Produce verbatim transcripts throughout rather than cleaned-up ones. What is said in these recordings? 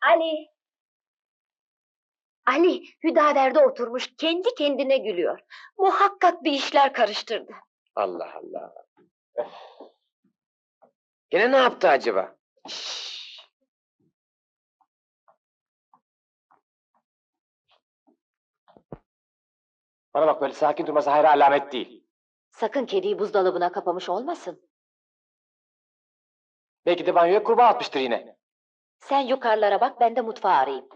Ali! Ali, Hüdaver'de oturmuş, kendi kendine gülüyor. Muhakkak bir işler karıştırdı. Allah Allah. Öf. Gene ne yaptı acaba? Şşş! Bana bak, böyle sakin durması hayra alamet değil. Sakın kediyi buzdolabına kapamış olmasın. Belki de banyoya kurbağa atmıştır yine. Sen yukarılara bak, ben de mutfağı arayayım.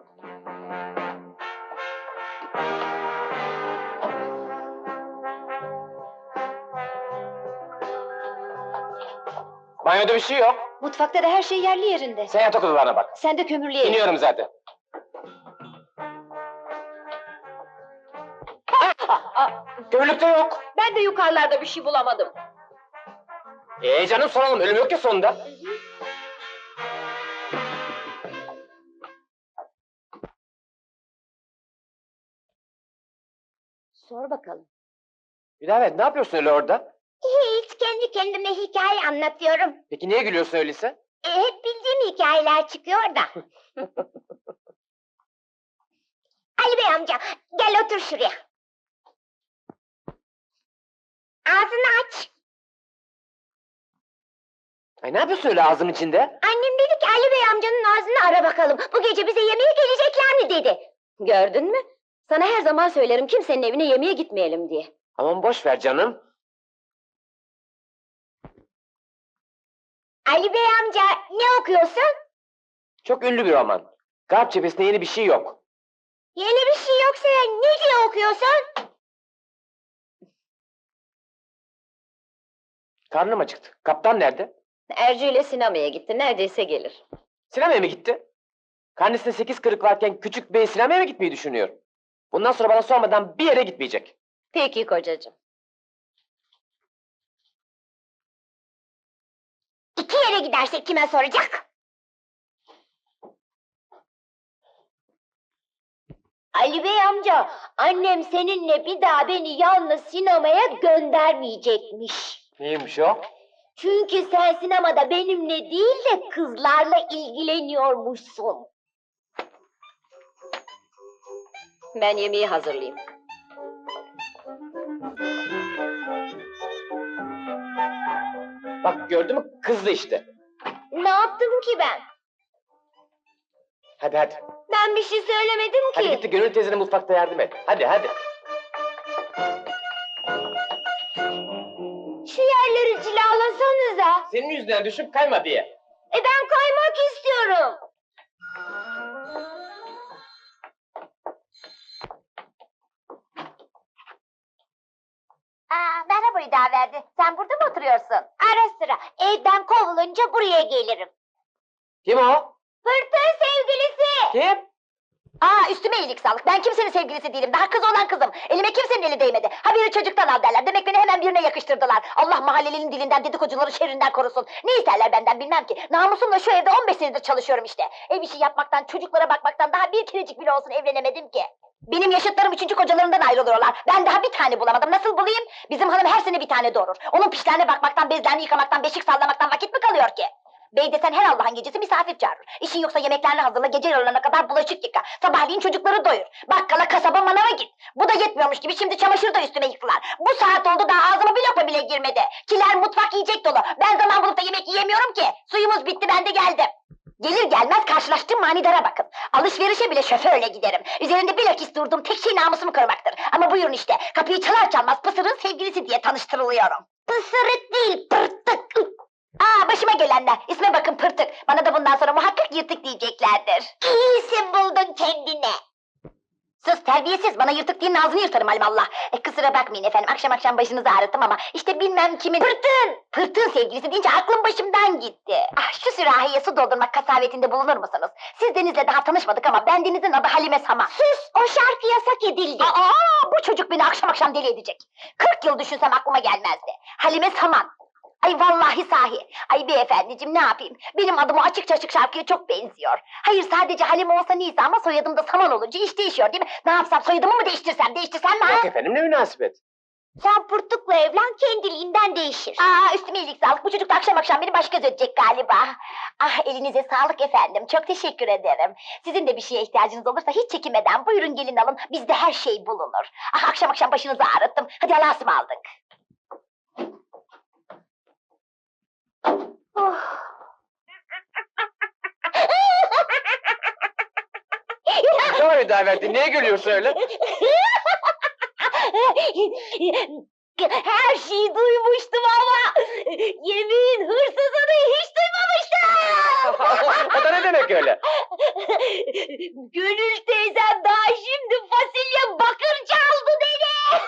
Banyoda bir şey yok. Mutfakta da her şey yerli yerinde. Sen yatak odalarına bak. Sen de kömürlüğe in. İniyorum zaten. Kömürlükte yok. Ben de yukarılarda bir şey bulamadım. Ee canım, soralım, ölüm yok ya sonunda. Sor bakalım. Hüdavet, ne yapıyorsun öyle orada? Hiç, kendi kendime hikaye anlatıyorum. Peki niye gülüyorsun öyleyse? E, hep bildiğim hikayeler çıkıyor da. Ali Bey amca, gel otur şuraya. Ağzını aç. Ay, ne yapıyorsun öyle ağzım içinde? Annem dedi ki Ali Bey amcanın ağzını ara bakalım. Bu gece bize yemeğe gelecekler mi dedi. Gördün mü? Sana her zaman söylerim, kimsenin evine yemeğe gitmeyelim diye. Aman boş ver canım. Ali Bey amca, ne okuyorsun? Çok ünlü bir roman. Garp cephesinde yeni bir şey yok. Yeni bir şey yoksa ne diye okuyorsun? Karnım acıktı. Kaptan nerede? Ercü ile sinemaya gitti, neredeyse gelir. Sinemaya mı gitti? Karnesinde sekiz kırık varken küçük bey sinemaya mı gitmeyi düşünüyor? Bundan sonra bana sormadan bir yere gitmeyecek. Peki kocacığım. İki yere gidersek kime soracak? Ali Bey amca, annem seninle bir daha beni yalnız sinemaya göndermeyecekmiş. Neymiş o? Çünkü sen sinemada benimle değil de kızlarla ilgileniyormuşsun. Ben yemeği hazırlayayım. Bak, gördün mü? Kızdı işte. Ne yaptım ki ben? Hadi hadi. Ben bir şey söylemedim ki. Hadi git de Gönül teyzene mutfakta yardım et. Hadi hadi. Şu yerleri cilalasanıza. Senin yüzünden düşüp kayma diye. E ben kaymak istiyorum. Aa, merhaba Hüdaverdi. Sen burada mı oturuyorsun? Ara sıra. Evden kovulunca buraya gelirim. Kim o? Pırtın sevgilisi. Kim? Aa, üstüme iyilik sağlık. Ben kimsenin sevgilisi değilim. Daha kız olan kızım. Elime kimsenin eli değmedi. Ha biri çocuktan al derler. Demek beni hemen birine yakıştırdılar. Allah mahallelinin dilinden, dedikocuları şerrinden korusun. Ne isterler benden bilmem ki. Namusumla şu evde on beş senedir çalışıyorum işte. Ev işi yapmaktan, çocuklara bakmaktan daha bir kerecik bile olsun evlenemedim ki. Benim yaşıtlarım üçüncü kocalarından ayrılıyorlar. Ben daha bir tane bulamadım. Nasıl bulayım? Bizim hanım her sene bir tane doğurur. Onun pişlerine bakmaktan, bezlerini yıkamaktan, beşik sallamaktan vakit mi kalıyor ki? Bey desen her Allah'ın gecesi misafir çağırır. İşin yoksa yemeklerini hazırla, gece yarılarına kadar bulaşık yıka. Sabahleyin çocukları doyur. Bakkala, kasaba, manava git. Bu da yetmiyormuş gibi şimdi çamaşır da üstüme yıktılar. Bu saat oldu daha ağzıma bir lokma bile girmedi. Kiler mutfak yiyecek dolu. Ben zaman bulup da yemek yiyemiyorum ki. Suyumuz bitti, ben de geldim. Gelir gelmez karşılaştığım manidara bakın. Alışverişe bile şoförle giderim. Üzerinde bilakis durduğum tek şey namusumu korumaktır. Ama buyurun işte, kapıyı çalar çalmaz Pısır'ın sevgilisi diye tanıştırılıyorum. Pısırık değil, pırtık. Aa, başıma gelenler. İsme bakın, Pırtık. Bana da bundan sonra muhakkak yırtık diyeceklerdir. İyi isim buldun kendine. Sus terbiyesiz, bana yırtık diyenin ağzını yırtarım alimallah. E, kusura bakmayın efendim, akşam akşam başınızı ağrıttım ama işte bilmem kimin... Pırtın! Pırtın sevgilisi deyince aklım başımdan gitti. Ah, şu sürahiye su doldurmak kasavetinde bulunur musunuz? Siz Deniz'le daha tanışmadık ama ben Deniz'in adı Halime Saman. Sus, o şarkı yasak edildi. Aa, bu çocuk beni akşam akşam deli edecek. Kırk yıl düşünsem aklıma gelmezdi. Halime Saman. Ay vallahi sahi. Ay beyefendiciğim, ne yapayım? Benim adım o açıkça açık şarkıya çok benziyor. Hayır, sadece Halime olsa neyse ama soyadım da Saman olunca iş değişiyor değil mi? Ne yapsam, soyadımı mı değiştirsem, değiştirsem mi ha? Yok efendim, ne münasebet. Sen pırtıkla evlen, kendiliğinden değişir. Aa, üstüme iyilik sağlık. Bu çocuk da akşam akşam beni baş göz edecek galiba. Ah, elinize sağlık efendim. Çok teşekkür ederim. Sizin de bir şeye ihtiyacınız olursa hiç çekinmeden buyurun gelin alın. Bizde her şey bulunur. Ah, akşam akşam başınızı ağrıttım. Hadi Allah'a ısmarladık. Oh. Ne var Hüdaverdi? Niye gülüyorsun öyle? Her şeyi duymuştum ama yemin hırsızını hiç duymamıştım. O da ne demek öyle? Gönül teyzem daha şimdi fasulye bakır çaldı dedi.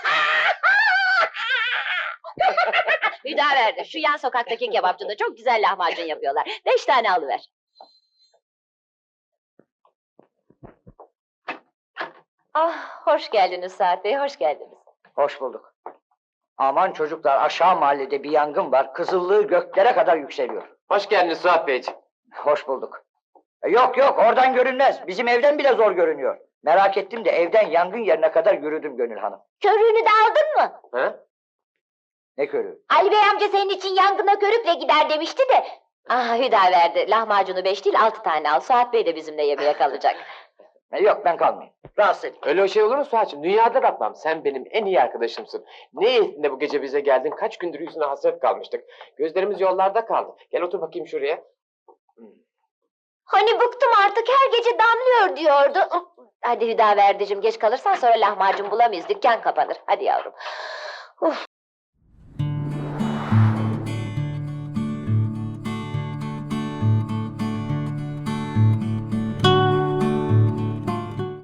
Hüdaverdi, şu yan sokaktaki kebapçıda çok güzel lahmacun yapıyorlar. Beş tane alıver. Ah, hoş geldiniz Saat Bey, hoş geldiniz. Hoş bulduk. Aman çocuklar, aşağı mahallede bir yangın var. Kızıllığı göklere kadar yükseliyor. Hoş geldiniz Suat Beyciğim. Hoş bulduk. E, Yok yok, oradan görünmez. Bizim evden bile zor görünüyor. Merak ettim de evden yangın yerine kadar yürüdüm Gönül Hanım. Körüğünü de aldın mı? Ha? Ne körüğü? Ali Bey amca senin için yangına körükle gider demişti de. Ah Hüdaverdi, lahmacunu beş değil altı tane al. Saat Bey de bizimle yemeğe kalacak. E, yok ben kalmayayım. Rahatsız edeyim. Öyle o şey olur mu Suat'cığım? Dünyada bakmam. Sen benim en iyi arkadaşımsın. Ne iyisin de bu gece bize geldin? Kaç gündür yüzüne hasret kalmıştık. Gözlerimiz yollarda kaldı. Gel otur bakayım şuraya. Hani bıktım artık, her gece damlıyor diyordu. Hadi Hüdaverdi'cim, geç kalırsan sonra lahmacun bulamayız, dükkan kapanır. Hadi yavrum.